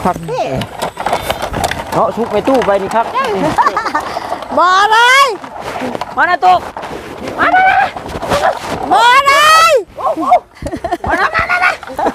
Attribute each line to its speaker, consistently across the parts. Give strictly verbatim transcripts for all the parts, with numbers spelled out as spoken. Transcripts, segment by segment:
Speaker 1: คักแท้เนาะชุบไปตู้ไปนี่ครับ
Speaker 2: บ่เลยมานะตุ๊กมานะบ่เลยมานะมานะ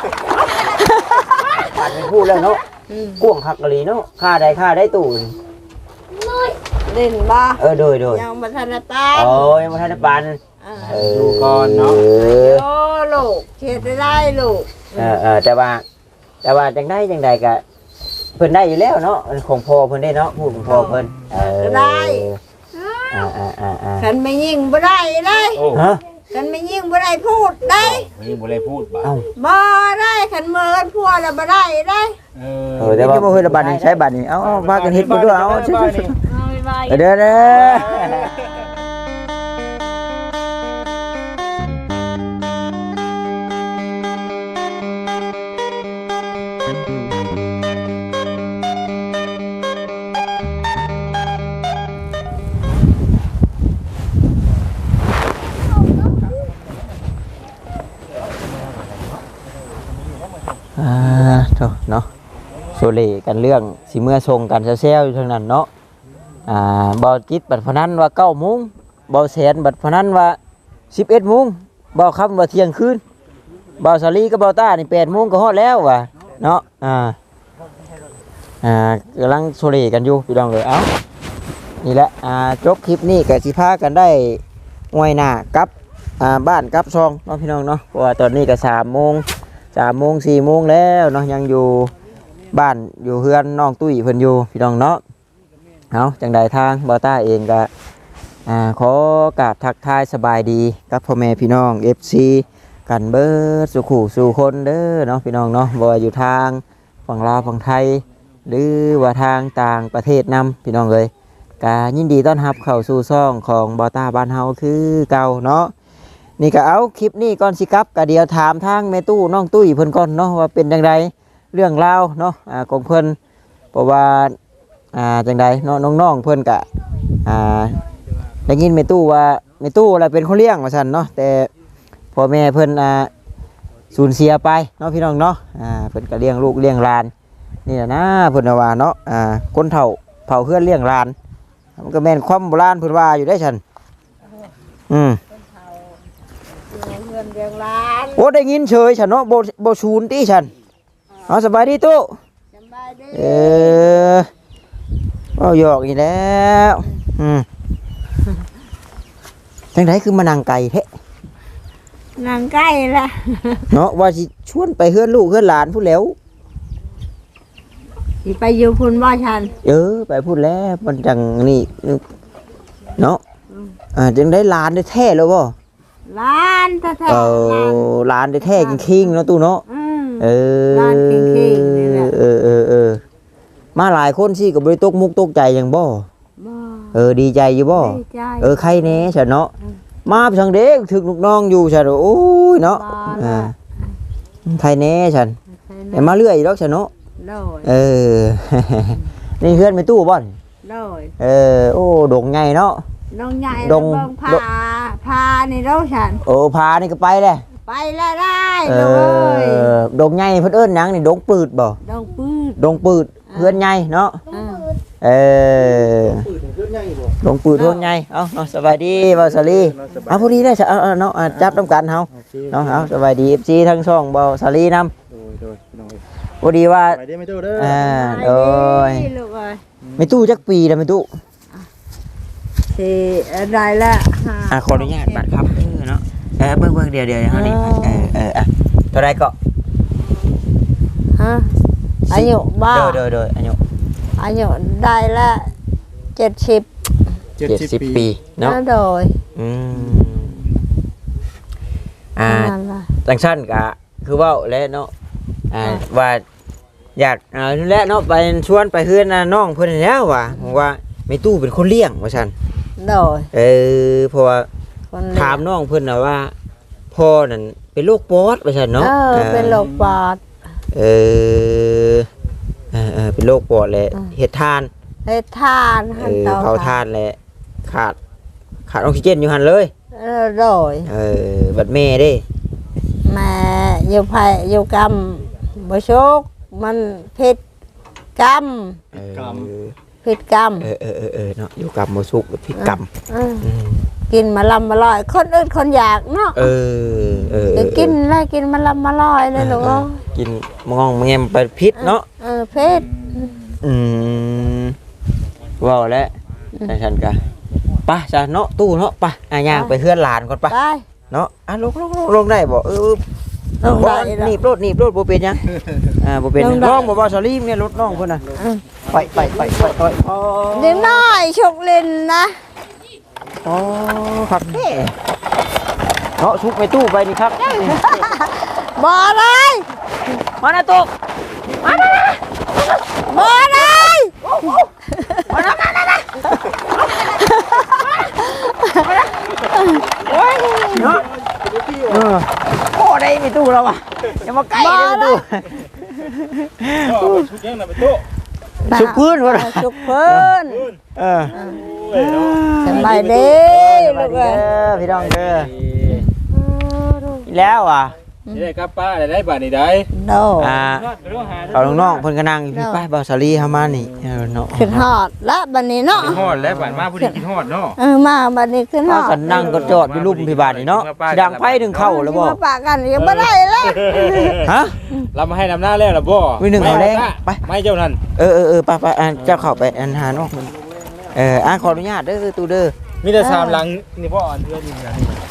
Speaker 1: ผ่านไปพูดแล้วเนาะก้วงคักกะลีเนาะค่าใดค่าได้ตู้
Speaker 2: เล่นบ่
Speaker 1: เออโดยโดย
Speaker 2: ยังบ่ทันปาน
Speaker 1: โอ้ยังบ่ทันปานเออดูก่อนเนาะ
Speaker 2: โอ้ลูกเฮ็ดได้ลูก
Speaker 1: เออเออแต่ว่าแต่ว่าจังได้จังใดก็เพิ่นได้อยู่แล้วเนาะของพ่อเพิ่นได้เนาะพูดของพ่อเพิ่นเออ
Speaker 2: ได้
Speaker 1: อ่าๆๆๆ
Speaker 2: คันไม่ยิงบ่ได้ได้
Speaker 1: ฮะ
Speaker 2: คันไม่ยิงบ่ได้พูดได้
Speaker 3: ไม่ยิงบ่ได้พูดบ่
Speaker 2: เอ้าบ่ได้คันเมินพัวแล้วบ่ได้ได้
Speaker 1: เออเออแต่ว่าบ่เคยระบาดนี่ใช้บัดนี่เอ้าพากันเฮ็ดบ่ด้วยเอ้าเด้อเด้ออ่าเนาะโซเลกันเรื่องสิเมื่อทรงกันเซลอยู่ทางนั้นเนาะอ่าบอจิตบัดพนันว่าเก้าโมงบอแสนบัดพนันว่าสิบเอ็ดโมงบอคำว่าเที่ยงคืนบอสาลีกับบอต้านี่แปดโมงก็ฮอดแล้วว่ะเนาะอ่าอ่ากำลังโซเลกันอยู่พี่น้องเลยเอ้านี่แหละอ่าจบคลิปนี้กับสิพากันได้งวยหน้ากับอ่าบ้านกับซองเนาะพี่น้องเนาะเพราะว่าตอนนี้ก็สามโมงสามโมงสี่โมงแล้วเนาะยังอยู่บ้านอยู่เฮือนน้องตุ้ยเพิ่นอยู่พี่น้องเนาะเอาจังใดทางบอต้าเองก็อ่าขอกราบทักทายสบายดีกับพ่อแม่พี่น้อง เอฟ ซี กันเบิดสุขุสู่คนเด้อเนาะพี่น้องเนาะบ่ว่าอยู่ทางฝั่งลาวฝั่งไทยหรือว่าทางต่างประเทศนำพี่น้องเลยก็ยินดีต้อนรับเข้าสู่ช่องของบอต้าบ้านเฮาคือเก่าเนาะนี่ก็เอาคลิปนี้ก่อนสิครับก็เดี๋ยวถามทางแม่ตู้น้องตุ้ยเพิ่นก่อนเนาะว่าเป็นจังไดเรื่องราวเนาะอ่าของเพิ่นเพราะว่าอ่าจังไดเนาะน้องๆเพิ่นก็อ่าได้ยินแม่ตู้ว่าแม่ตู้อะไรเป็นคนเลี้ยงว่าซั่นเนาะแต่พ่อแม่เพิ่นอ่าสูญเสียไปเนาะพี่น้องเนาะอ่าเพิ่นก็เลี้ยงลูกเลี้ยงหลานนี่นะเพิ่นว่าเนาะอ่าคนเฒ่าเผาเพื่อนเลี้ยงหลานมันก็แม่นความโบราณเพิ่นว่าอยู่ได้ซั่นอืมโอ้ได้ยินเฉยฉันเนาะโบโบชูนตีฉันเอาสบายดีตู้สบายดีเออเอาหยอกอีกแล้วอืมจังไดคือมานั่งไก่แท้
Speaker 2: นั่งไก่ละ
Speaker 1: เนาะว่าสิชวนไปเฮือนลูกเฮือนหลานพูดแล้ว
Speaker 2: สิไปอยู่พุ่นบ่ฉัน
Speaker 1: เออไปพูดแล้วมันจังนี่เนาะอ่าจังได้หลานได้แท้แล้วบ่
Speaker 2: ล้านแท้ๆเอ
Speaker 1: อล้านได้แท้จริงๆเนาะตู้เนาะเออ
Speaker 2: ล้านจริงๆนี่แหละ
Speaker 1: เออเออเออมาหลายคนสิก็บ่ได้ตกมุกตกใจหยังบ่
Speaker 2: บ่
Speaker 1: เออดีใจอยู่บ่เออใครแน่ฉันเนาะมาทางเด็กถึกลูกน้องอยู่ฉันโอ้ยเนาะอ่าใครแน่ฉันแต่มาเรื่อยดอกฉันเนาะเออนี่เพื่อนไปตู้บ่อนเออโอ้ดงไงเนาะ
Speaker 2: ดงใหญ่ดงพาพานี่เราฉัน
Speaker 1: โอ้พานี่ก็ไปเลย
Speaker 2: ไปแล้วได้
Speaker 1: เลยดงใหญ่เพิ่นเอิ้นหยังนี่ดงปืดบ่
Speaker 2: ดงปืด
Speaker 1: ดงปืดเพื่อนใหญ่เนาะเออดงปืดเพื่อนใหญ่เอ้าเนาะสบายดีบ่าวสาลีเอาพอดีได้เออเนาะจับนำกันเฮาเนาะเอาสบายดี เอฟ ซี ทั้งช่องบ่าวสาลีนำพอดีว่าอ่าโอ้ยไม่ตู้จักปีแล้วไม่ตู้
Speaker 2: สิได้ละ
Speaker 1: อ่ะขออนุญาตบัตรครับเออเนาะเออเบิ่งๆเดี๋ยวๆเฮานี่เออเอออ่ะเท่าใดก็
Speaker 2: ฮะอายุบ่
Speaker 1: โดยๆๆอายุ
Speaker 2: อายุได้ละเจ็ดสิบ
Speaker 1: เจ็ดสิบปีเนาะ
Speaker 2: โดย
Speaker 1: อืมอ่าจังซั่นก็คือเว้าแล้วเนาะอ่าว่าอยากอ่าแล้วเนาะไปชวนไปเฮือนน้องเพิ่นแล้วว่าว่าแม่ตู้เป็นคนเลี้ยงว่าซั่น
Speaker 2: โดย
Speaker 1: เออเพราะว่าถามน้องเพิ่นน่ะว่าพ่อนั่นเป็นโรคปอดว่าซั่นเนาะ
Speaker 2: เออเป็นโรคปอด
Speaker 1: เออเออเป็นโรคปอดแหละเฮ็ดทาน
Speaker 2: เฮ็ดทาน
Speaker 1: เออเผาทานแหละขาดขาดออกซิเจนอยู่หั่นเลย
Speaker 2: เออโดย
Speaker 1: เออบัดแม่เด้
Speaker 2: แม่อยู่ไผอยู่กรรมบ่โชคมันผิดกรรม
Speaker 1: เออ
Speaker 2: ผิดกรรม
Speaker 1: เออเออเออเออเนาะอยู่กับบ่สุกผิดกรรม
Speaker 2: อืม
Speaker 1: อืม
Speaker 2: กินมาลำมาลอยคนอื่นคนอยากเนาะ
Speaker 1: เออเออ
Speaker 2: จะกินแล้วกินมาลำมาลอยเลยลูกเอ้ย
Speaker 1: กินมองแงมไปพิษเนาะ
Speaker 2: เออเพชร
Speaker 1: อืมว้าวแล้วจังซั่นกะไปจ้ะเนาะตู้เนาะไปอ่ะย่างไปเฮือนหลานก่อนไป
Speaker 2: ไป
Speaker 1: เนาะอ่ะลงลงลงลงได้บ่เออ
Speaker 2: ลงได้
Speaker 1: บ่หนีบรถหนีบรถบ่เป็นหยังอ่าบ่เป็นหยังน้องบ่ว่าสลีมเนี่ยรถน้องเพิ่นน่ะ
Speaker 2: อืม
Speaker 1: ไปไปไปไปไปอ๋อ
Speaker 2: เด็กน้อยชกเล่นนะ
Speaker 1: อ๋อครับแท้เนาะชุบไปตู้ไปนี่ครับ
Speaker 2: บ่เลย
Speaker 1: มานะตุกมานะ
Speaker 2: บ่เลย
Speaker 1: มานะมานะโอ้ยเนาะเออโอ้ได้ไปตู้เราอ่ะอย่ามาใกล้เลยตู้
Speaker 3: ชุดยังน่ะไปโต๊ะ
Speaker 1: ชุบพื้นวะ
Speaker 2: ชุกเพิ่น
Speaker 1: เออ
Speaker 2: สบายดี
Speaker 1: ลู
Speaker 2: ลู
Speaker 1: ก
Speaker 2: ก
Speaker 1: เอ้
Speaker 2: เอ้ย
Speaker 1: ยพี่น้องเด้ออีแล้วอ่ะ
Speaker 3: นี่ได้ครับป้าได้ได้บาทนี่ได้
Speaker 2: โด
Speaker 1: อ่าเอาน้องๆเพิ่นก็นั่งอยู่พี่ป้ายบ่าวสาลีเฮามานี่เออเนาะ
Speaker 2: ขึ้นฮอดละบัดนี้เนาะ
Speaker 3: ฮอดแล้วบาทมาผู้ดีกินฮอดเนาะ
Speaker 2: เออมาบัดนี้ขึ้นฮ
Speaker 1: เอา
Speaker 2: อด
Speaker 1: กันนั่งก็จอดอยู่ลุ่มพี่บาทนี่เนาะสิดังไฟถึงเข้าแล้วบ่
Speaker 2: สิมาปะกันยังบ่ได้แล้ว
Speaker 1: ฮะ
Speaker 3: เรามาให้นำหน้าแล้วล่ะบ่
Speaker 1: มีหนึ่งเอาแรงไป
Speaker 3: ไม่เจ้านั่น
Speaker 1: เออเออเออไปไปอ่ะเจ้าเข้าไปอันหาน้องเพิ่นเอออ่ะขออนุญาตเด้อตู้เด้อ
Speaker 3: มีแต่สามหลังนี่พ่ออ่อนเพื่อนนี่นะ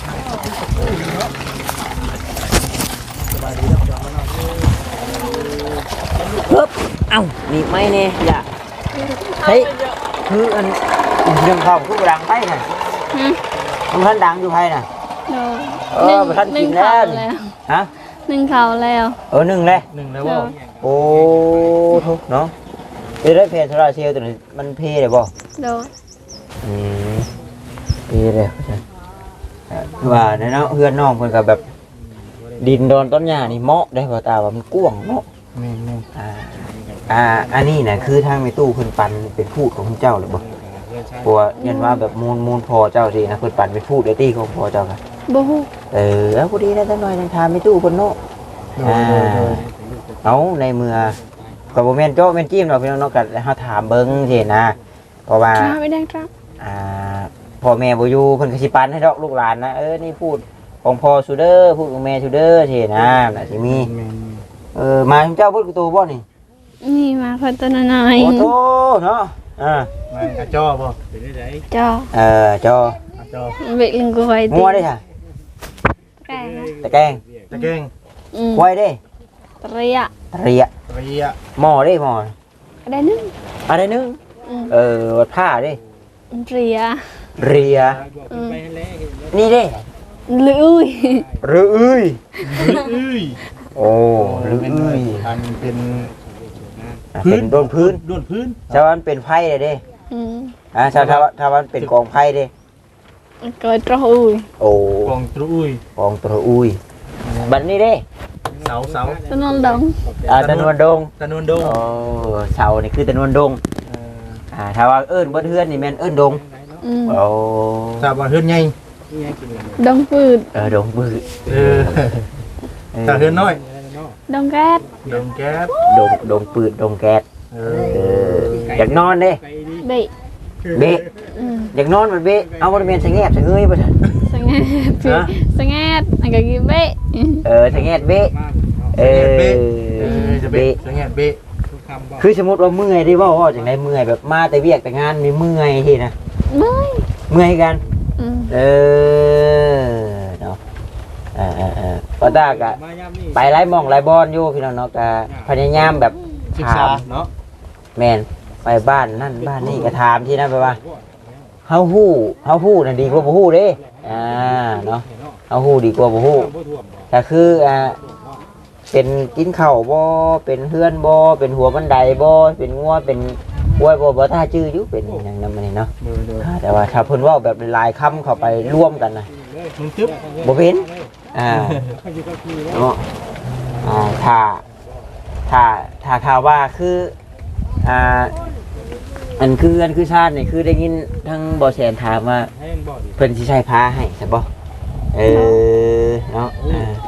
Speaker 1: ปึ๊บเอ้านี่ไม่แน่อย่าเฮ้ยคืออันเรื่องเข้าคือบ่ดังไฟน่ะมันทันดังอยู่ไผน่ะ เออบ่ทันกินแล้วนี่ฮะ
Speaker 4: หนึ่งเขาแล้ว
Speaker 1: เออหนึ่งเลย
Speaker 3: หนึ่งแล้วบ่
Speaker 1: โอ้ทุกเนาะเอ้ได้เพจโซลาร์เซลล์ตัวนี้มันเพได้บ่
Speaker 4: โดน
Speaker 1: อืมเพเลยคือว่าในเนาะเพื่อนน้องเพิ่นก็แบบ ดินโดนต้นหญ้านี่เหมาะได้บ่ตาว่ามันกว้างเนาะ
Speaker 3: แม่น
Speaker 1: อ่าอ่าอันนี้น่ะคือทางในตู้เพิ่นปันเป็นพูดของเจ้าหรือบ่เพราะว่าเห็นว่าแบบมูลมูลพอเจ้าสินะเพิ่นปันเป็นพูดได้ตี้ของพอเจ้าค่ะ
Speaker 4: บูฮู
Speaker 1: เออเอาพอดีนะจังหน่อยจังถามในตู้เพิ่นเนาะอ่าเอาในเมื่อก็บ่แม่นโจ้แม่นจิ้มดอกพี่น้องเนาะก็เฮาถามเบิ่งสินะเพราะว่า
Speaker 4: จ้าไม่ได้ครับ
Speaker 1: อ่าพ่อแม่บ่อยู่เพิ่นก็สิปันให้ดอกลูกหลานนะเออนี่พูดของพ่อซูเดอร์พูดของแม่ซูเดอร์สินะน่ะสิมีเออมาเจ้าพูดกับตัวบ่นี่
Speaker 4: นี่มาคนตัวน้อย
Speaker 1: โอ้โตเนาะอ่า
Speaker 3: มากระจอบ่เป็นได้ได
Speaker 4: จ้า
Speaker 1: เออจอ
Speaker 3: กระจอ
Speaker 4: เบ็ดลิงกูไว้
Speaker 1: งัวได้ค่ะ
Speaker 4: แก่นะ
Speaker 1: ตะแกรง
Speaker 3: ตะเก่ง
Speaker 4: อืม
Speaker 1: ควายได้
Speaker 4: เตรีย
Speaker 1: ตะเรีย
Speaker 3: ตะเรีย
Speaker 1: หม้อได้หม้อ
Speaker 4: ได้หนึ่ง
Speaker 1: อะไรนึง
Speaker 4: อืม
Speaker 1: เออวัดผ้าได้
Speaker 4: เตรีย
Speaker 1: เรีย
Speaker 4: อืม
Speaker 1: นี่ได้
Speaker 4: หรืออุ้ย
Speaker 1: หรืออุ้ย
Speaker 3: อื้ย
Speaker 1: โอ้หรืออุ้ย
Speaker 3: อันเป็น
Speaker 1: อ่ะเป็นโดนพื้น
Speaker 3: โดนพื้น
Speaker 1: ชาวบ้านเป็นไผ่เลยเด้
Speaker 4: อืม
Speaker 1: อ่าชาวชาวชาวบ้านเป็นกองไผ่เด้
Speaker 4: ก็ตรอุ้ย
Speaker 1: โอ้
Speaker 3: กองตรุอุ้ย
Speaker 1: กองตระอุ้ยบัดนี้เด้
Speaker 3: เสาเสา
Speaker 4: ตัวนอนดง
Speaker 1: อ่าตะนวนดง
Speaker 3: ตะนวนดง
Speaker 1: โอ้เสานี่คือตะนวนดงอ่าถ้าว่าเอิ้นบ่เทือนนี่แม่นเอิ้นดง
Speaker 4: อืม
Speaker 1: โอ้
Speaker 3: ทราบว่าเฮือนใหญ่
Speaker 4: ดงฟืด
Speaker 1: เออดงบื้อ
Speaker 3: เออถ้าเฮือนน้อย
Speaker 4: ดงแก๊ส
Speaker 3: ดงแก๊ส
Speaker 1: ดงดงปืดดงแก๊ส
Speaker 3: เอ
Speaker 1: เอ
Speaker 3: อ
Speaker 1: ออยากนอนเด้
Speaker 4: เบะ
Speaker 1: เบะ
Speaker 4: อืม
Speaker 1: อยากนอนมันเบะเอาบ่ได้แม่นสะแงบสะเงยบ่ซั่น
Speaker 4: สงแงดพี่
Speaker 1: ฮะ
Speaker 4: สงแงดอันก็กินเบะ
Speaker 1: เออสะแงบเบะเออ
Speaker 3: เบะเออจะเบะ
Speaker 1: เบะ
Speaker 3: จะแงะเบะ
Speaker 1: คือสมมุติว่าเมื่อยได้เว้าว่าจังได๋เมื่อยแบบมาแต่เวียกแต่งานมีเมื่อยทีนะ
Speaker 4: ไม่
Speaker 1: เมื่อยกัน
Speaker 4: อืม
Speaker 1: เออเนาะเออเออเออก็ตากะไปหลายหม่องหลายบอนอยู่พี่น้องเนาะก็พยายามแบบ
Speaker 3: ศึก
Speaker 1: ถา
Speaker 3: ษาม เนาะ
Speaker 1: แม่นไปบ้านนั่นบ้านนี่ก็ถามที่นั่นไปว่าเฮาฮู้เฮาฮู้น่ะดีกว่าบ่ฮู้เด้อ่าเนาะเฮาฮู้ดีกว่าบ่ฮู้ก็คืออ่าเป็นกินข้าวบ่เป็นเฮือนบ่เป็นหัวบันไดบ่เป็นงัวเป็นกล้วยบ่บ่ท่าชื่ออยู่เป็นหยังนำมันนี่เนาะ
Speaker 3: เออเด้อ
Speaker 1: อ่าแต่ว่าถ้าเพิ่นเว้าแบบหลายๆคำเข้าไปร่วมกันน่ะ
Speaker 3: มึงตึ๊บ
Speaker 1: บ่เป็นอ่าเนาะอ่าถ้าถ้าถ้าข่าวว่าคืออ่าอันคืออันคือชาตินี่คือได้ยินทั้งบ่แสนถามว่าเพิ่นสิใช้ผ้าให้ใช่บ่เออเนาะอ่า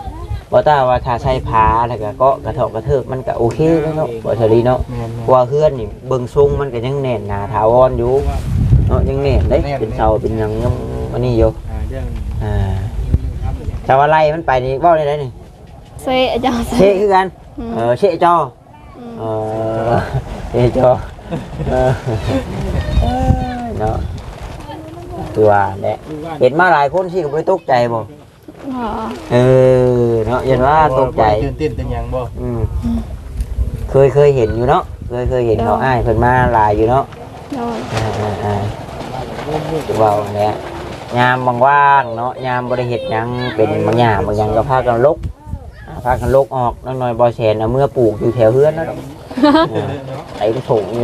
Speaker 1: บ่ตาว่าถ้าใช้ผ้าแล้วก็เกาะกระเทาะกระเทิบมันก็โอเคแล้วเนาะบ่เทาลีเนาะ
Speaker 3: แม่น
Speaker 1: เพราะว่าเฮือนนี่เบิ่งทรงมันก็ยังแน่นหนาถาวรอยู่เนาะยังแน่นเด้เป็นเสาเป็นหยังยังอันนี้อยู่
Speaker 3: ๆอ่าเรื่อง
Speaker 1: อ่าแต่ว่าไล่มันไปนี่เว้าได้ไดนี่
Speaker 4: เซ่จ้า
Speaker 1: เชะคือกัน เออเชะจอเออเชะจอเออเนาะตัวแหละเห็นมาหลายคนสิก็บ่ได้ตกใจบ่
Speaker 4: อ๋อ
Speaker 1: เออเนาะยันว่าตกใจ
Speaker 3: ตื่นเต้นเป็นหยังบ่
Speaker 1: อืมเคยเคยเห็นอยู่เนาะเคยเคยเห็นเขาอ้ายเพิ่นมาหลายอยู่เนาะ
Speaker 4: โดย
Speaker 1: อ่าอ่าอ่าเว้าเนี่ยยามว่างๆเนาะยามบ่ได้เฮ็ดหยังเป็นบางอย่างบางอย่างก็พากันลกอ่าพากันลกออกน้อยๆบ่แสนเอาเมื่อปลูกอยู่แถวเฮือนนั่นแหละไอ้ถุงนี่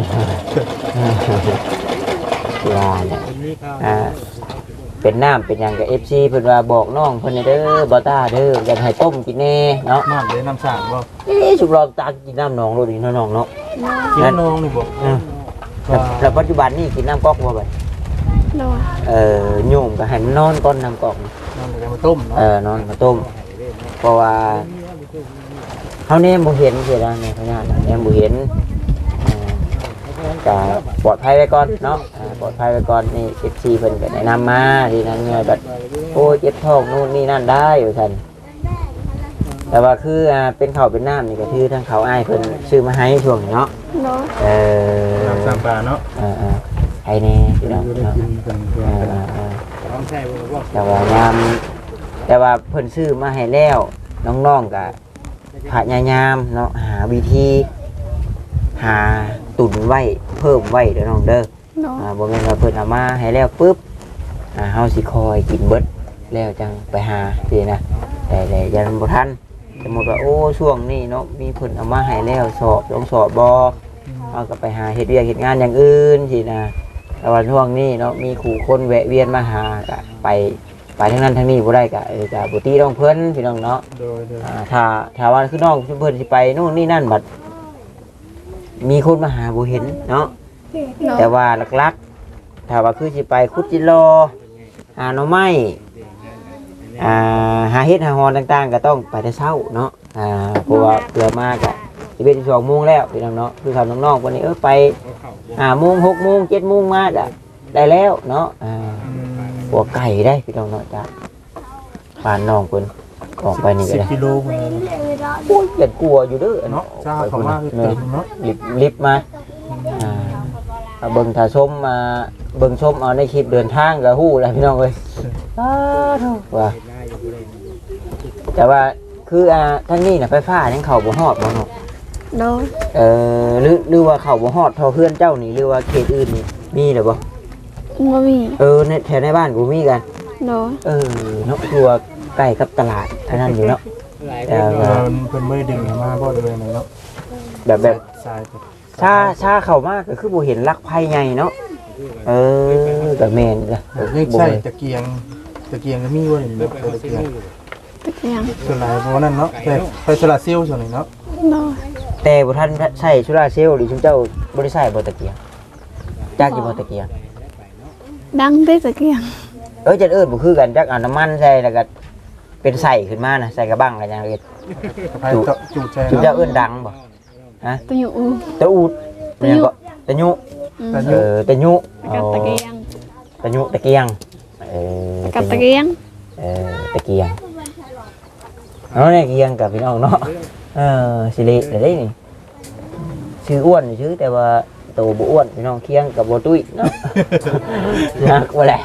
Speaker 1: ว่าเนี่ยอ่าเป็นน้ำเป็นหยังกับ เอฟ ซี เพิ่นว่าบอกน้องเพิ่นเด้อบ่ต้าเด้ออยากให้ต้มกินแน่เนาะ
Speaker 3: น้ำเลยน้ำสางบ่
Speaker 1: เอ๊ะสุกรอบตากินน้ำหนองโลดนี่เนาะน้องเนาะ
Speaker 3: กินน้องนี่บ่
Speaker 1: อืมแล้วแล้วปัจจุบันนี่กินน้ำก๊อกบ่บัด
Speaker 4: โดย
Speaker 1: เอ่อโยมก็ให้มันนอนก่อนน้ำก๊อก
Speaker 3: น้ำเลยมาต้มเนาะ
Speaker 1: เออนอนมาต้มเพราะว่าเฮาเนี่ยบ่เห็นเสียดายแม่พญานาคเนี่ยบ่เห็นอ่าก็ปลอดภัยไว้ก่อนเนาะอ่าปลอดภัยไว้ก่อนนี่ เอฟ ซี เพิ่นก็แนะนำมาทีนั้นเนี่ยแบบโอ้เจ็บท้องนู่นนี่นั่นได้อยู่ซั่นแต่ว่าคืออ่าเป็นข้าวเป็นน้ำนี่ก็คือทางเขาอ้ายเพิ่นซื้อมาให้ช่วงนี้เนาะ
Speaker 4: โดย
Speaker 1: เออ
Speaker 3: น้ำสางปลาเนาะ
Speaker 1: เออๆให้แน่พี่น้อง
Speaker 3: อยู่ได้
Speaker 1: เนาะ
Speaker 3: กินกันเพื่อน
Speaker 1: เอ
Speaker 3: กัน
Speaker 1: อๆ
Speaker 3: ต้องใช่บ่บ่
Speaker 1: แต่ว่ายามแต่ว่าเพิ่นซื้อมาให้แล้วน้องๆก็พยายามเนาะหาวิธีหาตุนไว้เพิ่มไว้เด้อน้องเด้อ
Speaker 4: โดย
Speaker 1: อ่าบ่แม่นว่าเพิ่นเอามาให้แล้วปุ๊บอ่าเฮาสิคอยกินเบิดแล้วจังไปหาสินะแต่แต่ยันบ่ทันสมมุติว่าโอ้ช่วงนี้เนาะมีเพิ่นเอามาให้แล้วสอบลองสอบบ่เฮาก็ไปหาเฮ็ดเวียกเฮ็ดงานอย่างอื่นสินะแต่ว่าช่วงนี้เนาะมีขู่คนแวะเวียนมาหาก็ไปไปทางนั้นทางนี้บ่ได้ก็เออก็บ่ตีต้องเพิ่นพี่น้องเนาะ
Speaker 3: โดยโดย
Speaker 1: อ่าถ้าถ้าว่าคือน้องเพิ่นสิไปนู่นนี่นั่นบัดมีคนมาหาบ่เห็นเนาะ
Speaker 4: โดย
Speaker 1: แต่ว่าหลักๆถ้าว่าคือสิไปคุดจิโลหาหน่อไม้อ่าหาเฮ็ดหาฮอนต่างๆ ก็ต้องไปแต่เช้าเนาะอ่าเพราะว่าเพื่อมากอะสิบเอ็ดสิบสองโมงแล้วพี่น้องเนาะคือเขาน้องๆวันนี้เออไปห้าโมงหกโมงเจ็ดโมงมาได้ได้แล้วเนาะอ่าหัวไก่ได้พี่น้องเนาะจ้ะผ่านน้องเพิ่นออกไปนี่ก็
Speaker 3: สิบ
Speaker 1: ได้
Speaker 3: กิโลพุ่นเลย
Speaker 1: โอ้ยเกลียดกลัวอยู่เด้อ
Speaker 3: เนาะจ้าเขามาคือ
Speaker 1: เนาะ
Speaker 3: เต็มเนาะ
Speaker 1: ลิบลิบมาอ่าเอาเบิ่งถ้าชมมาเบิ่งชมเอาในคลิปเดินทางก็ฮู้แล้วพี่น้องเอ้ยอ้าวโธ่ว่าแต่ว่าคืออ่าทั้งนี้น่ะไฟฟ้ายังเข้าบ่ฮอดบ่เนาะ
Speaker 4: โดย
Speaker 1: เอ่อหรือหรือว่าเข้าบ่ฮอดเท่าเพื่อนเจ้านี่หรือว่าเขตอื่นนี่มีหรือบ่
Speaker 4: บ่มี
Speaker 1: เออในแถวในบ้านกูมีกัน
Speaker 4: โดย
Speaker 1: เออเนาะคือว่าใกล้กับตลาดอันนั้นอยู่เนาะแต่
Speaker 3: เอ
Speaker 1: ว่า
Speaker 3: อเพิ่นไม่ได้ดึงมาบ่เลยเนาะ
Speaker 1: แบบแบบ
Speaker 3: ทราย
Speaker 1: ชาชาเข้ามาก็คือบ่เห็นลักไผใหญ่เนาะเออก็แม่นจ้ะ
Speaker 3: เรียกใช่ตะเกียงตะเกียงก็มีบ่นี่ตะเกียง
Speaker 4: ตะเกียง
Speaker 3: ส่วนหลายเพราะว่านั่นเนาะแต่ไฟโซลาร์เซลล์ส่วนนี้เนาะ
Speaker 4: โดย
Speaker 1: แต่บ่ทันใช้โซลาร์เซลล์หรือชุมเจ้าบ่ได้ใช้บ่ตะเกียงจักอยู่บ่ตะเกียง
Speaker 4: ดังได้ตะเกียง
Speaker 1: เอ้ยจัดเอิ้นบ่คือกันจักเอาน้ำมันใส่แล้วก็เป็นใส่ขึ้นมานะใส่กระบังกันอย่างเอ็ด
Speaker 3: ไฟเจาะจูดใจ
Speaker 1: ชุมเจ้า
Speaker 3: เนาะ
Speaker 1: เอิ้นดังบ่ฮะ
Speaker 4: ตะอยู่อู
Speaker 1: ตะอูดมันยังก็ตะยุ
Speaker 4: อืม
Speaker 3: ตะ
Speaker 1: เออตะยุ
Speaker 4: กับตะเกียง
Speaker 1: ตะยุตะเกียงเออ
Speaker 4: กับตะเกียง
Speaker 1: เออตะเกียงเอาเนี่ยเกียงกับพี่น้องเนาะเออสิริได้ได้นี่ชื่ออ้วนชื่อแต่ว่าโตบ่อ้วนพี่น้องเคียงกับบ่ตุ้ยเนาะ นักบ่แหละ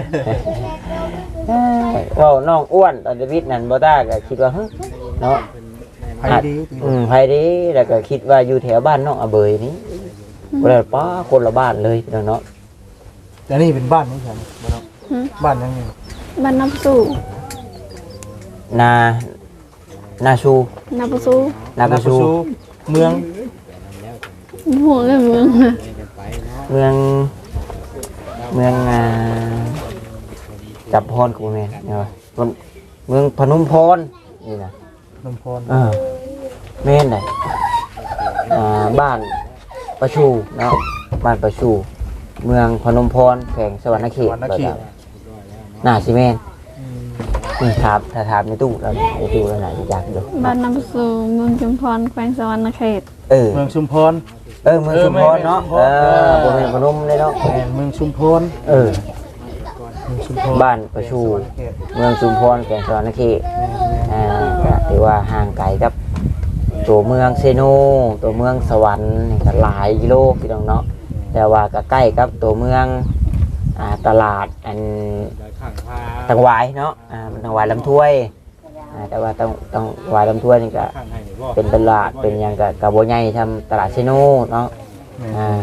Speaker 1: เว้าน้องอ้วนตอนเดวิดนั่นบ่ตาก็คิดว่าเฮ้ยเนาะ
Speaker 3: ไฟดี
Speaker 1: อืมไผดีแล้วก็คิดว่าอยู่แถวบ้านน้องอาเบยนี่บ่ได้ป้าคนละบ้านเลยพี่น้องเนาะ
Speaker 3: แต่นี่เป็นบ้านของฉันบ่เนาะบ้านยังไง
Speaker 4: บ้านนับสู่
Speaker 1: นานาชู
Speaker 4: นับสู่
Speaker 1: นากระชู
Speaker 3: เมือง
Speaker 4: หัวเลยเมืองน่ะ
Speaker 1: เมืองเมืองอ่าจับพรกูแม่นเนาะมันเมืองพนมพรนี่นะ
Speaker 3: ลำพร
Speaker 1: เออแม่นได้อ่าบ้านประชูเนาะบ้านประชู เมืองพนมพรแขวงสวรรณเขต
Speaker 3: วันนัก
Speaker 1: บ่
Speaker 3: ขี่
Speaker 1: ได้น่าสิแม่นนี่ครับถ้าถามในตู้เราในตู้เราไหนอยากดู
Speaker 4: บ้านน้ำประสูเมืองจุมพรแขวงสวรรณเขต
Speaker 1: เออ
Speaker 3: เมืองชุมพร
Speaker 1: เออเมืองชุมพรเนาะเออบ่แม่นพนมเลยเนาะ
Speaker 3: แม่นเมืองชุมพร
Speaker 1: เออ
Speaker 3: เมืองชุมพร
Speaker 1: บ้านประชูเมืองชุมพรแก่งสวรรณเขตอ่าก็ถือว่าห่างไกลกับตัวเมืองเซโนตัวเมืองสวรรค์นี่ก็หลายกิโลพี่น้องเนาะแต่ว่าก็ใกล้กับตัวเมืองอ่าตลาดอันตังหวายเนาะอ่ามันตังหวายลำถ้วยอ่าแต่ว่าตังตังหวายลำถ้วยนี่ก็เป็นตลาดเป็นหยังกับกับโบใหญ่ทำตลาดเซโนเนาะอ่า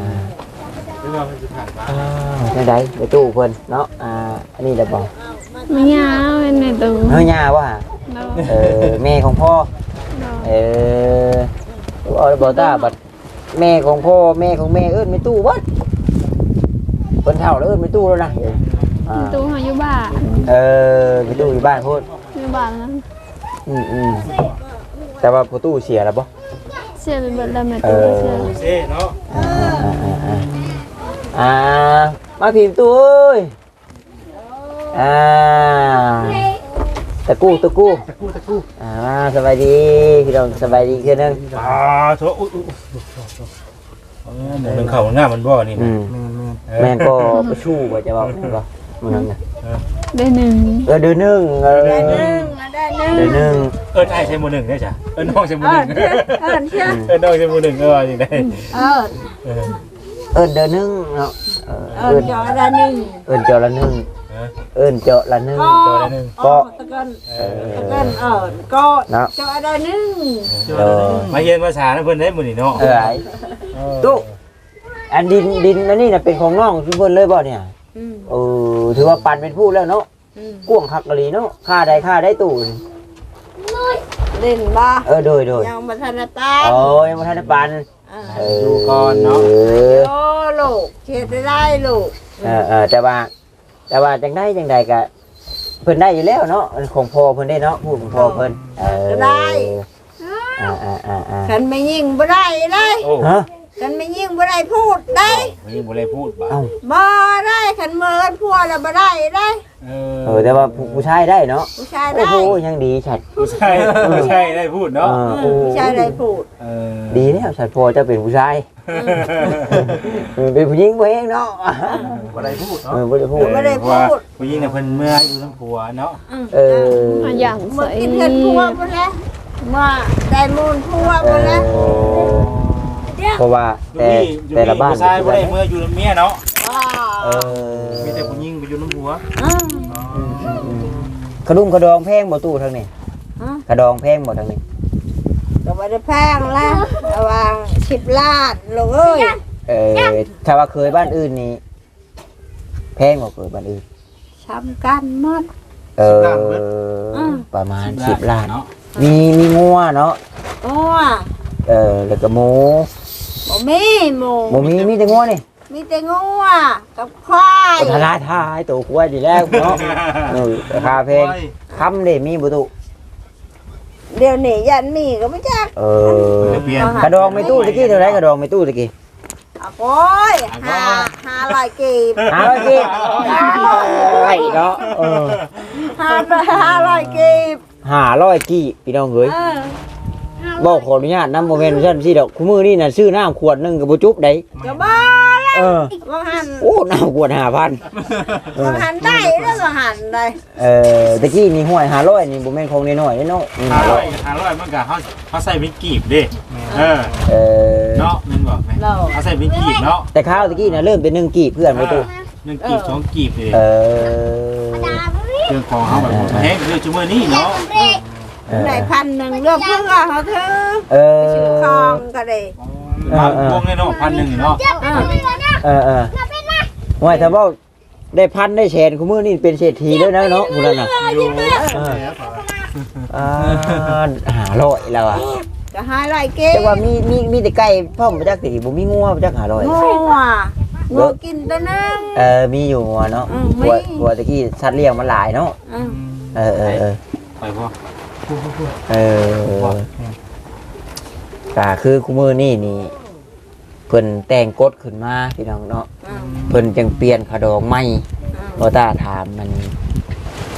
Speaker 1: ไม่ได้ไปตู้เพิ่นเนาะอ่าอันนี้เดี๋ยวบอก
Speaker 4: ไม่ยาวเป็นในตู้
Speaker 1: เฮ้ยย่าว่าเออแม่ของพ่อเออเอาบอกตาบัดแม่ของพ่อแม่ของแม่เอิ้นไม่ตู้วัดเพิ่นเฒ่าแล้วเอิ้นไม่ตู้แล้วนะอ่า
Speaker 4: ตู้เขาอยู่บ้าน
Speaker 1: เออไม่ตู้อยู่บ้านพูด
Speaker 4: อยู่บ้านนั้น
Speaker 1: อืมอืมแต่ว่าประตูเสียแล้วบ่
Speaker 4: เสียเป็นเบิดแล้วแม่
Speaker 1: เอ
Speaker 4: ตู้
Speaker 1: อ
Speaker 4: เสีย
Speaker 3: เซ่เนาะ
Speaker 1: อ่าอ่าอ่าอ่าอ่ามาพิมพ์ตู้เอ้ยอ่าตะกู้ตะกู้
Speaker 3: ตะกู้ตะกู้
Speaker 1: อ่าสบายดีพี่น้องสบายดีขึ้นนึง
Speaker 3: อ่าโถอุ้ยอุ้ยหมูหนึ่งเข่าหน้ามันบ่นี่
Speaker 1: อืม
Speaker 3: แม่น
Speaker 1: แม่นก็ประชูว่าจะบอกแม่นบ่มันนั่นน่ะ
Speaker 4: ได้หนึ่ง
Speaker 1: เออเดือนหนึงเออ
Speaker 2: ได้หนึ่งได้หนึ่ง
Speaker 1: เดือนหนึง
Speaker 3: เอิ้นไอ้ใช้หมูหนึ่งได้จ้ะเอิ้นน้องใช้หมู
Speaker 2: เอ
Speaker 3: ห
Speaker 2: อ
Speaker 3: นึ่ง
Speaker 2: เชื่อเออเชื่อ
Speaker 3: เอิ้นน้องใช้หมูหนึ่งเออจริงได้
Speaker 2: เออ
Speaker 3: เออ
Speaker 1: เอิ้นเดือนหนึงเนาะเออ
Speaker 2: เอ
Speaker 1: เอิ้
Speaker 2: อน จอได้หนึ่ง
Speaker 1: เอิ้นเจาะละหนึงเอิ้นเจาะละหนึง
Speaker 2: ก็ก็ตะกันตะกันเออก็จอได้หนึ่ง
Speaker 1: เออ
Speaker 3: มาเรียนภาษาเพิ่นได้หมื้อนี้เนาะ
Speaker 1: เออไอ้ตู้อันดินดินอันนี้น่ะเป็นของน้องทุกคนเลยบ่เนี่ย
Speaker 2: อืม
Speaker 1: เออถือว่าปันเป็นผู้แล้วเนาะ
Speaker 2: อืม
Speaker 1: กวงคักกะลีเนาะค่าใดค่าได้ตู้นี่
Speaker 2: เล่นบ้า
Speaker 1: เออโดยโดย
Speaker 2: ยังมาทันตา
Speaker 1: โอ้ยยังบ่ทันได้ปันเออ
Speaker 3: ดูก่อนเนาะ
Speaker 1: เออ
Speaker 2: โอ้ลูกเขียนได้ลูก
Speaker 1: เออเออแต่ว่าแต่ว่าจังได้จังใดก็เพิ่นได้อยู่แล้วเนาะของพ่อเพิ่นได้เนาะพูดของพ่อเพิ่นเออได้อ่าอ่าอ่าอ่า
Speaker 2: ฉันไม่ยิงบ่ได้เลย
Speaker 3: โอ้
Speaker 1: ฮะ
Speaker 2: ฉันไม่ยิงบ่ได้พูดได้
Speaker 3: ไม่ยังบ่ได้พูดบ่
Speaker 1: เอ้า
Speaker 2: บ่ได้ฉันเมินพัวแล้วบ่ได้ได้
Speaker 3: เอ
Speaker 1: เออแต่ว่าผู้ผู้ชายได้เนาะ
Speaker 2: ผู้ชาย
Speaker 1: โอ้
Speaker 2: ได้
Speaker 1: โหยังดีฉัด
Speaker 3: ผู้ชายผู้ชายได้พูดเนาะ
Speaker 1: เออ
Speaker 2: อืมผู้ชายได้พูด
Speaker 3: เออ
Speaker 1: ดีแล้วฉัดพอจะเป็นผู้ชายเออเป็นผู้หญิงบ่เองเนาะ
Speaker 3: บ่ได้พูด
Speaker 1: เอ
Speaker 3: เนาะ
Speaker 1: อบ่ได้พูด
Speaker 2: บ่ได้พูด
Speaker 3: ผู้หญิงน่ะเพิ่นเมื่ออยู่ทั้งผัวเนาะ
Speaker 1: เออ
Speaker 4: มาอย่าง
Speaker 2: เมื่
Speaker 4: ใส่
Speaker 2: อกินเงินพัวบ่แล้วมาได้มูลพัวบ่แล้ว
Speaker 1: เพราะว่าแต่แต่ละบ้าน
Speaker 3: ผู้ชายบ่ได้เมื่ออยู่กับเมียเนาะ
Speaker 2: ว้า
Speaker 1: เออ
Speaker 3: มีแต่ผู้หญิงไปอยู่น้ำผัว
Speaker 2: อืม
Speaker 1: ขดุมขดองแพงบ่ตู้ทางนี้
Speaker 2: อืม
Speaker 1: ขดองแพงบ่ทางนี้
Speaker 2: ก็บ่ได้แพงแล้วระวังสิบล้านลูกเอ้ย
Speaker 1: เออถ้าว่าเคยบ้านอื่นนี่แพงกว่าเคยบ้านอื่น
Speaker 2: ช้ำกันหมด
Speaker 1: เออ
Speaker 2: อืม
Speaker 1: ประมาณสิบล้าน
Speaker 3: เนาะ
Speaker 1: มีมีงัวเนาะ
Speaker 2: โอ้ย
Speaker 1: เออแล้วก็หมู
Speaker 2: บ่มีหมู
Speaker 1: หมูมีมีแต่งัวนี่
Speaker 2: มีแต่งัวกับควาย
Speaker 1: ทลาทายตัวกล้วยดีแล้วเนาะเออราคาแพงคำเด้มีบ่ตู้
Speaker 2: เดี๋ยวนี้ยันมีก็ไม่จัก
Speaker 1: เออ
Speaker 3: เปลี่ยน
Speaker 1: กระดองไม่ตู้ตะกี้เท่าไหร่กระดองไม่ตู้ตะกี้
Speaker 2: อ่ะโอ้ยห้าห้าร้อยกีบ
Speaker 1: หาร้อยกีบไอ้เนาะเออ
Speaker 2: ห้าร้อยห้าร้อยกีบ
Speaker 1: ห้าร้อยกี่พี่น้องเอ้ย
Speaker 2: เออ
Speaker 1: บอกขออนุญาตนำโมเมนต์ซั่นสิดอกคู่มือนี่น่ะซื้อน้ำขวดหนึงก็บ่จุบได้
Speaker 2: ก็บ้าแล้ว
Speaker 1: เออ
Speaker 2: ว่าหัน
Speaker 1: โอ้น้ำขวดห้าพัน
Speaker 2: ว่าหันได้แล้วว่าหันได้
Speaker 1: เออตะกี้นี่ห้วยห้าร้อยนี่บ่แม่นของน้อยๆเด้เนาะนี่
Speaker 3: ห้า
Speaker 1: ห้า
Speaker 3: ร้
Speaker 1: ร้
Speaker 3: อ
Speaker 1: อย ย
Speaker 3: ห้าร้อยมันก็เขาเขาใส่เป็นกีบเด้เออ
Speaker 1: เออ
Speaker 3: เนาะมันบอกไหม
Speaker 2: เรา
Speaker 3: เขาใส่เป็นกีบเนาะ
Speaker 1: แต่ข้าวตะกี้น่ะเริ่มเป็นหนึ่งกีบเพื่อนบ่ตู้
Speaker 3: หนึ่งกีบสองกีบเลย
Speaker 1: เออ
Speaker 3: เครื่องของเขาแบบแห้งคือจุ่มนี่เนาะ
Speaker 2: ได้พันหนึ่งเลือกเพื่อเขาเธอ
Speaker 1: เออ
Speaker 2: ไปซื้อของก็ได้
Speaker 3: มาพวงเลยเนาะพันหนึ่งเนาะ
Speaker 2: เออ
Speaker 1: เออเออห้วยถ้าเว้าได้พันได้แสนคู่มือนี่เป็นเศรษฐีแล้วนะเนาะผู้นั้นน่ะ
Speaker 3: อยู่
Speaker 1: อ่าห้าร้อยแล้วอ่ะ
Speaker 2: ก็ห้าร้อยกีบ
Speaker 1: จังว่ามีมีมีแต่ไก่พ่อมบ่จักสิบ่มีงัวบ่จักห้าร้อย
Speaker 2: งัวงัวกินตัวนึง
Speaker 1: เออมีอยู่งัวเนาะ
Speaker 2: อืมมี
Speaker 1: ตัวตัวตะกี้สัตว์เลี้ยงมันหลายเนาะ
Speaker 2: อืม
Speaker 1: เออเออเออ
Speaker 3: ไปพ่อ
Speaker 1: เออก็คือคู่มือนี่นี่เพิ่นแต่งกฎขึ้นมาพี่น้องเนาะ
Speaker 2: อืม
Speaker 1: เพิ่นจังเปลี่ยนขะดองใหม่
Speaker 2: อืม
Speaker 1: บ่ตาถามมัน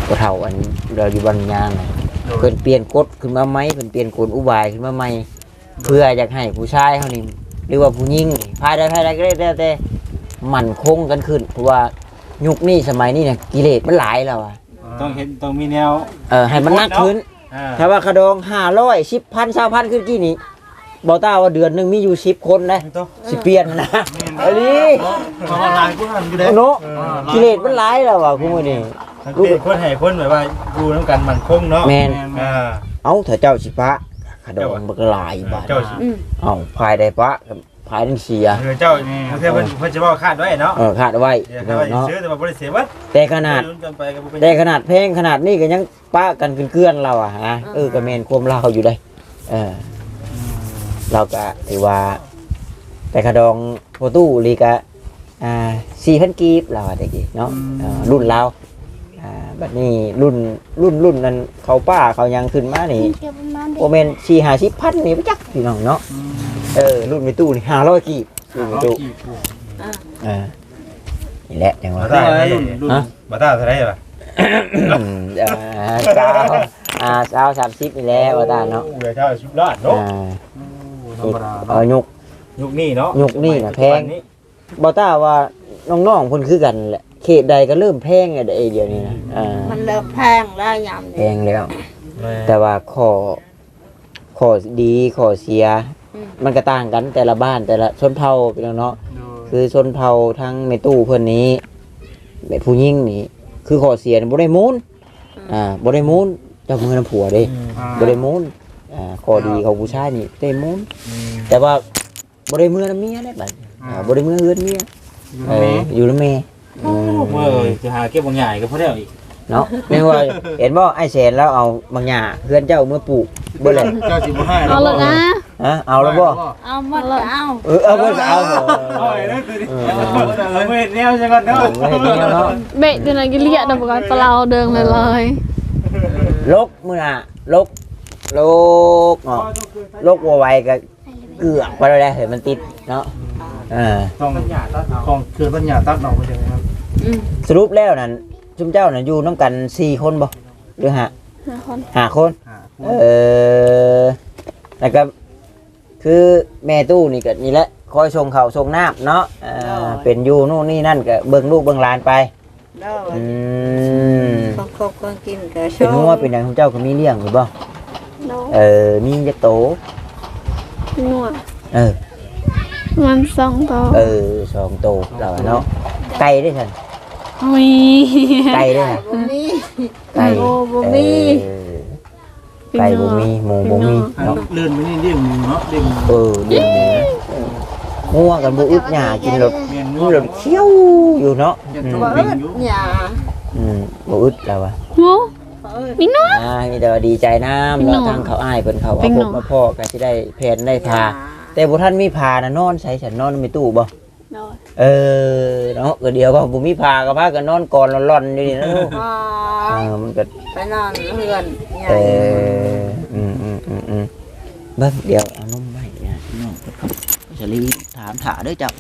Speaker 1: บ่เฒ่าอันเราอยู่บ้านย่างน่ะเพิ่นเปลี่ยนกฎขึ้นมาใหม่เพิ่นเปลี่ยนกลอุบายขึ้นมาใหม่เพื่ออยากให้ผู้ชายเฮานี่หรือว่าผู้หญิงนี่ภายใดภายใดก็ได้แต่แต่มั่นคงกันขึ้นเพราะว่ายุคนี้สมัยนี้เนี่ยกิเลสมันหลายแล้วอ่ะ
Speaker 3: ต้องเห็นต้องมีแนว
Speaker 1: เออให้มันนักขึ้น
Speaker 3: อ่า
Speaker 1: ถ้าว่าขะดองห้าร้อย สิบพัน สามพันขึ้นกี่นี้บ่ต้าว่าเดือนหนึงมีอยู่สิบคนนะสิเปลี่ยนนะอันนี้
Speaker 3: เพราะว่าหลายคนหันอยู่เด้
Speaker 1: เนาะกิเลสมันหลายแล้วว่ะคุณมื้อนี้
Speaker 3: สังเกตคนให้คนแบบว่าอยู่นำกันมั่นคงเนาะ
Speaker 1: แม่น
Speaker 3: อ่า
Speaker 1: เอ้าถ้าเจ้าสิพระขะดองมันก็หลายบาท
Speaker 3: เจ้าสิ
Speaker 1: เอ้าภายใดพระกับภายนั้นเสีย
Speaker 3: เออเจ้าเพื่อนเพิ่นเพิ่นจะบอกคาดไว้เนาะ
Speaker 1: เออคาดเอาไว้
Speaker 3: เดี๋ยวคาดไว้
Speaker 1: เนาะ
Speaker 3: ซื้อแต่ว่าบ่ได้เสียวัด
Speaker 1: แต่ขนาด
Speaker 3: ลุ้นกันไปก็บ่เป็น
Speaker 1: แต่ขนาดเพลงขนาดนี้ก็ยังป้ากันเกลื่อนๆเราอ่ะฮะเออก็แม่นความเราอยู่ได้เออเราก็ถือว่า แต่ขะดองโฟตู้ลีกะอ่าสี่พันกีบเราอะตะกี้เนาะเอ่อรุ่นเราอ่าบัดนี้รุ่นรุ่นรุ่นนั้นเขาป้าเขายังขึ้นมานี่โอเมนสี่ห้าสิบพันนี่ไปจักพี่น้องเนาะเออรุ่นในตู้นี่ห้าร้อยกีบรุ่นในตู้อ่านี่แหละจังหวะ
Speaker 3: มาตารุ่นรุ่นมาตาเท่าไหร่ล่ะ
Speaker 1: อืมอ่าสาวอ่าสาวสามสิบนี่แหละว่าตาเนาะ
Speaker 3: โอ้ยเท่าสิบล้านเนาะ
Speaker 1: อ่า
Speaker 3: ธรรมดา
Speaker 1: เออยุค
Speaker 3: ยุคนี้เนาะ
Speaker 1: ยุคนี้น่ะแพง บอต้าว่าน้องๆคนคือกันแหละเขตใดก็เริ่มแพงไงไอเดียวนี้นะอ่า
Speaker 2: มันเริ่มแพงแล้วยาม
Speaker 1: แพ
Speaker 2: นี้
Speaker 1: งแล้ว แต่ว่าข้อข้อดีข้อเสีย มันก็ต่างกันแต่ละบ้านแต่ละชนเผ่าพี่น้องเนาะคือชนเผ่าทั้งเมตู้เพื่อนนี้แม่ผู้หญิงนี่คือข้อเสียนี่บ่ได้มูลอ่าบ่ได้มูลเจ้ามือน้ำผัวเด้บ่ได้มูลอ่าข้อดีของผู้ชายนี่ได้มูลแต่ว่าบ่ได้มือน้ำเมียได้บัดอ่าบ่ได้มือเฮือนเมียเอออยู่นำแม่อืม
Speaker 3: เมื่อจะหาเก็บบางใหญ่ก็พอได้อีก
Speaker 1: เนาะไม่ว่าเห็นบ่ไอ้แสนแล้วเอาบางหญ้าเพื่อนเจ้าเมื่อปลูกเบ่แหละ
Speaker 3: เจ้าสิบ่ให้
Speaker 4: เอาเลยนะ
Speaker 1: ฮะเอาแล้วบ่
Speaker 2: เอาหมดก็เอา
Speaker 1: เออเอาเพิ่นเอา
Speaker 3: เอาไอ้นั่นคือเอาไม่เห็นแนวจังก่อนเนาะ
Speaker 1: ไม่เห็นแนวเนาะ
Speaker 4: เบะตัวนั้นก็เลียดบอกว่าปลาเดิงเลยเลย
Speaker 1: ลกมื้อน่ะลกลกเนาะลกบ่ไหวก็เกือกไปแล้วแหละเห็นมันติดเนาะเออ
Speaker 3: ต้องของคือปัญญาตัดออกไปจังครับ
Speaker 1: สรุปแล้วนั่นชุมเจ้าน่ะอยู่นํกันสี่คนบ่หรือห้า
Speaker 4: ห้าคน
Speaker 1: ห้าคนเออแล้วก็คือแม่ตู้นี่ก็นี่แหละคอยส่งข้าวส่งน้ำเนาะเออเป็นอยู่นู่นนี่นั่นก็เบิ่งลูกเบิ่งหลานไป
Speaker 2: เด้อ
Speaker 1: อืม
Speaker 2: คนคบคนกินก็ช
Speaker 1: เป็นงัวเป็นหยังของเจ้าก็มีเลี้ยงหรือบ่
Speaker 4: โน้
Speaker 1: เออมีจักโต
Speaker 4: หนวด
Speaker 1: เออ
Speaker 4: มันสองตัว
Speaker 1: เออสองโตเราอะเนาะไก่ได้ซั่น
Speaker 4: มี
Speaker 1: ไก่ได้ซั่น
Speaker 2: บ่มี
Speaker 1: ไก่
Speaker 2: โอ้บ่มี
Speaker 1: เออไก่บ่มีหมูบ่มีเนาะ
Speaker 3: เลื่อนไปนี่เรียกหมูเนาะเรียกหมู
Speaker 1: เออเลี้ยงหมูเอองัวกันบ่อึดหญ้ากินรถ
Speaker 3: เมียน
Speaker 1: กิ
Speaker 3: งู
Speaker 1: นรถเคี้ยวอยู่เนาะอืม
Speaker 2: บ่อึดหยา
Speaker 1: อืมบ่อึดแล้วอะ
Speaker 4: หมู
Speaker 2: บ่อึด
Speaker 4: มีหนวด
Speaker 1: อ่ามีแต่ว่าดีใจน้ำ
Speaker 4: เป็นหน
Speaker 1: เนาะ
Speaker 4: อ
Speaker 1: ทางเขาอ้ายเพิ่นเขา
Speaker 4: เป็
Speaker 1: เอา
Speaker 4: นหน
Speaker 1: พ
Speaker 4: อ
Speaker 1: บมาพ่อก็สิได้แผนได้พา แต่บ่ทันมีพานะนอนใส่ฉันนอนในตู้บ่
Speaker 4: โน้
Speaker 1: เออเนาะก็เดียวก็บ่มีพาก็พากันนอนก่อนร่อนๆอยู่นี่นะลูก
Speaker 2: อ๋อ
Speaker 1: เออมันก็
Speaker 2: ไปนอนเฮือนใหญ่
Speaker 1: เอออืมอืมอืมอืมเบิ่งเดี๋ยวเอานมไว้เนี่ยพี่น้องสลีถามถาเด้อเจ้า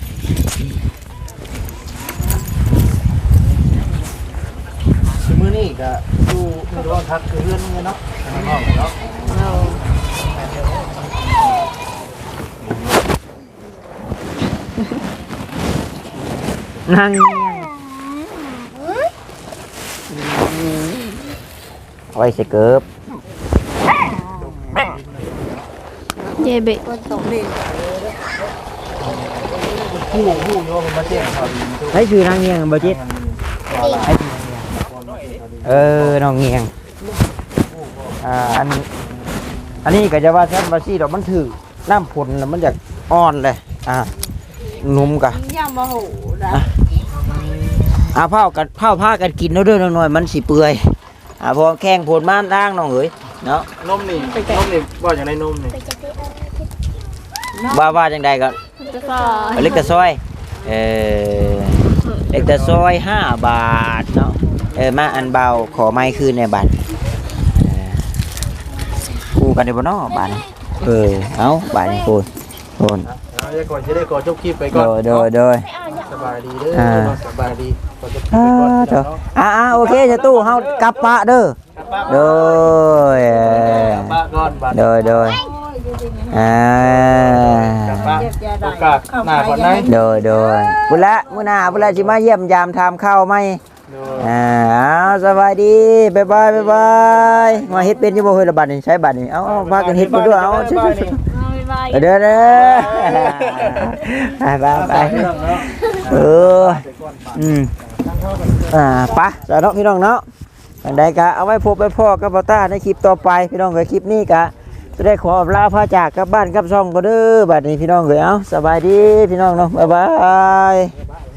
Speaker 1: มื้อนี้ก็อยู่ในโรงพักคือเฮือนเนาะข้างนอกเนาะ
Speaker 2: เอา
Speaker 1: นั่งเอาไว้ใส่เกิบ
Speaker 4: เย่เบะ
Speaker 2: คนตกดิน
Speaker 3: ผู้ผู้โยมมาเสียงเขาดีตู้
Speaker 1: ให้ชื่อนางเงียงบ่จิตให้เออน้องเงียงอ่าอันอันนี้ก็จะว่าแท้บ่ซี่ดอกมันถือน้ำผลแล้วมันอยากอ่อนเลยอ่านุ่มกะ
Speaker 2: ยังบ่หูนะ
Speaker 1: อ่าเผากันเผาผ้ากันกินเด้อๆน้อยๆมันสิเปื่อยอ่าพอแข้งผลม่านล่างน้องเอ๋ยเนาะ
Speaker 3: นมนี่นมนี่ว่าอย่างไรนมนี่
Speaker 1: ว่าว่าจังใดก็
Speaker 4: จะก็
Speaker 1: เล็กแต่ซอยเออเล็กแต่ซอยห้าบาทเนาะเออมาอันเบาขอไม้คืนในบัตรเออคู่กันได้บ่เนาะบาทนี่เออเอาบาทนี่คูณคูณ
Speaker 3: เอาจะก่อนจะได้ก่อนจบคลิปไป
Speaker 1: โด
Speaker 3: ก่อน
Speaker 1: ยโดยโดย
Speaker 3: เสบายดีเด้อสบายดีขอจะ
Speaker 1: อ่าเถอะอ่าอ่าโอเคจะตู้เฮากลับปะเด้อโดย
Speaker 3: ป้าก่อนบาด
Speaker 1: โดยโดยอ่า
Speaker 3: ป้าโอกาสหน้าก่อนไหน
Speaker 1: โดยโดยบุญละมื้อหน้าบุญละสิมาเยี่ยมยามทำข้าวไหมอ่าเอาสบายดีบ๊ายบายบ๊ายบายมาเฮ็ดเป็นอยู่บ่เฮ้ยละบัดนี่ใช้บัดนี่เอาเอาพากันเฮ็ดบ่ด้วยเอาเด้อเด้อไปไปไปเอออืมอ่าไปจ้ะเนาะพี่น้องเนาะอันใดก็เอาไว้พบไว้พ่อกับบ่าวต้าในคลิปต่อไปพี่น้องก็คลิปนี้ก็จะได้ขอลาพาจากกลับบ้านกลับช่องก็เด้อบัดนี้พี่น้องเอ้ยเอาสบายดีพี่น้องเนาะบ๊ายบาย